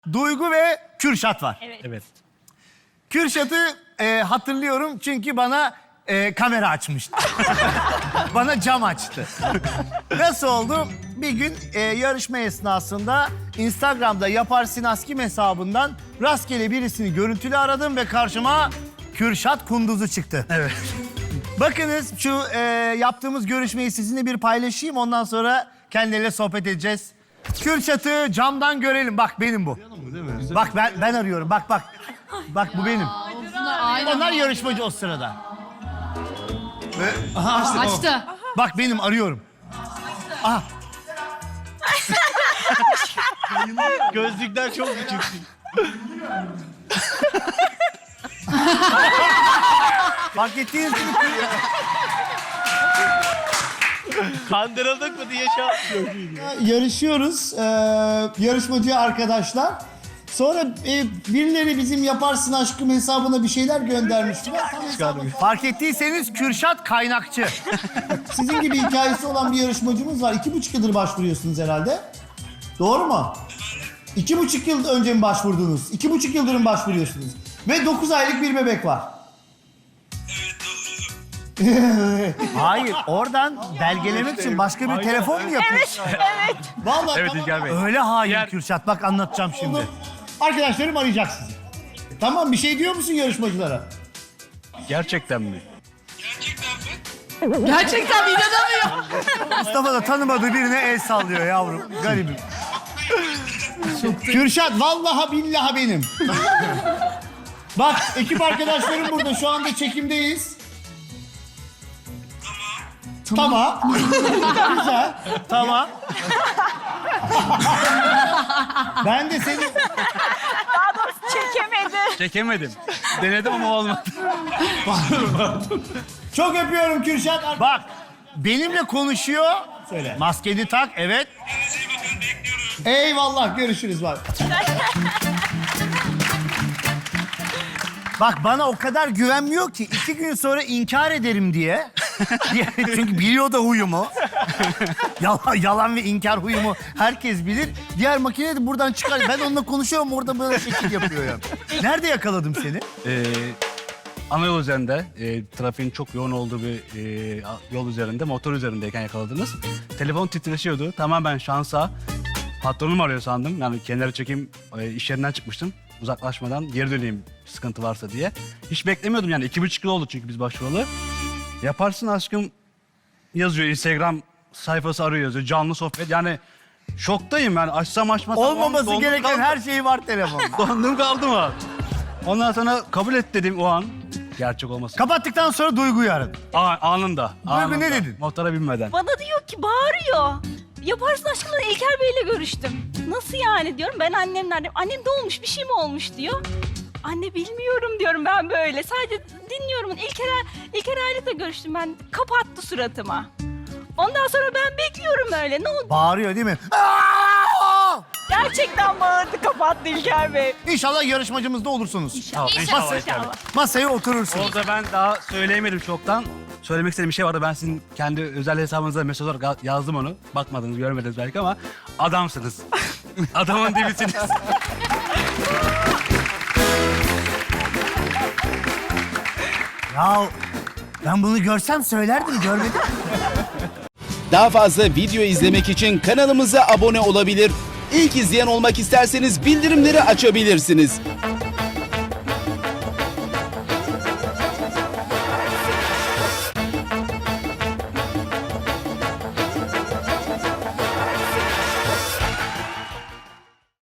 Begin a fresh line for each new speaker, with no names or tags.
Duygu ve Kürşat var.
Evet.
Kürşat'ı hatırlıyorum çünkü bana kamera açmıştı. Bana cam açtı. Nasıl oldu? Bir gün yarışma esnasında Instagram'da Yaparsın Askim hesabından rastgele birisini görüntülü aradım ve karşıma Kürşat Kunduz'u çıktı.
Evet.
Bakınız şu yaptığımız görüşmeyi sizinle bir paylaşayım. Ondan sonra kendileriyle sohbet edeceğiz. Kürşat'ı camdan görelim. Bak benim bu. Bak ben arıyorum. Bak. Bak bu benim. Onlar yarışmacı o sırada.
Açtı.
Bak benim arıyorum. Aha.
Gözlükler çok küçük.
Fark ettiniz mi?
Kandırıldık mı diye
Yarışıyoruz. Yarışmacı arkadaşlar. Sonra birileri bizim Yaparsın Aşkım hesabına bir şeyler göndermişti. Fark ettiyseniz Kürşat kaynakçı. Sizin gibi hikayesi olan bir yarışmacımız var. 2,5 yıldır başvuruyorsunuz herhalde. Doğru mu? 2,5 yıl önce mi başvurdunuz? 2,5 yıldır mı başvuruyorsunuz? Ve 9 aylık bir bebek var. Hayır, oradan belgelemek için başka bir telefon mu yapıyorsun?
Evet.
Vallahi
Evet İlker Bey.
öyle hain Kürşat. Bak anlatacağım şimdi. Arkadaşlarım arayacak sizi. Tamam, bir şey diyor musun yarışmacılara?
Gerçekten mi?
Gerçekten inanamıyor.
Mustafa da tanımadığı birine el sallıyor yavrum. Garibim. Kürşat vallahi billahi benim. Bak ekip arkadaşlarım burada. Şu anda çekimdeyiz. Tamam. Güzel. Tamam. Ben de seni...
Daha doğrusu çekemedi.
Çekemedim. Denedim ama olmadı.
Çok öpüyorum Kürşat. Bak benimle konuşuyor. Söyle. Maskeni tak, evet. Eyvallah, görüşürüz bak. Bak bana o kadar güvenmiyor ki 2 gün sonra inkar ederim diye. Çünkü biliyor da huyumu. Yalan ve inkar huyumu herkes bilir. Diğer makine de buradan çıkar. Ben onunla konuşuyorum, orada böyle şekil yapıyor ya. Nerede yakaladım seni?
Ana yol üzerinde, trafiğin çok yoğun olduğu bir yol üzerinde, motor üzerindeyken yakaladınız. Telefon titreşiyordu. Tamamen şansa. Patronum arıyor sandım. Yani kenara çekeyim, iş yerinden çıkmıştım. Uzaklaşmadan geri döneyim sıkıntı varsa diye. Hiç beklemiyordum yani. 2,5 yıl oldu çünkü biz başvuralı. Yaparsın Aşkım yazıyor. Instagram sayfası arıyor yazıyor. Canlı sohbet. Yani şoktayım yani. Açsam açmasam.
Olmaması
dondum
gereken
kaldım.
her şey var telefonda.
Dondum kaldım ha. Ondan sonra kabul et dedim o an. Gerçek olmasın.
Kapattıktan sonra Duygu'yu aradım.
Anında.
Duygu ne dedin?
Motora binmeden.
Bana diyor ki bağırıyor. Yaparsın aşkına İlker Bey'le görüştüm. Nasıl yani diyorum. Ben annemle aradım. Annem ne olmuş, bir şey mi olmuş diyor. Anne bilmiyorum diyorum ben böyle. Sadece dinliyorum. İlker Aylık'la görüştüm ben. Kapattı suratıma. Ondan sonra ben bekliyorum öyle. Ne oldu?
Bağırıyor değil mi? Aa!
Gerçekten bağırdı, kapattı İlker Bey.
İnşallah yarışmacımız da olursunuz.
Tamam,
İnşallah.
Masaya oturursunuz.
Orada ben daha söyleyemedim çoktan. Söylemek istediğim bir şey vardı. Ben sizin kendi özel hesabınıza mesaj olarak yazdım onu. Bakmadınız, görmediniz belki ama adamsınız. Adamın dibisiniz.
Ya ben bunu görsem söylerdim, görmedim.
Daha fazla video izlemek için kanalımıza abone olabilir. İlk izleyen olmak isterseniz bildirimleri açabilirsiniz.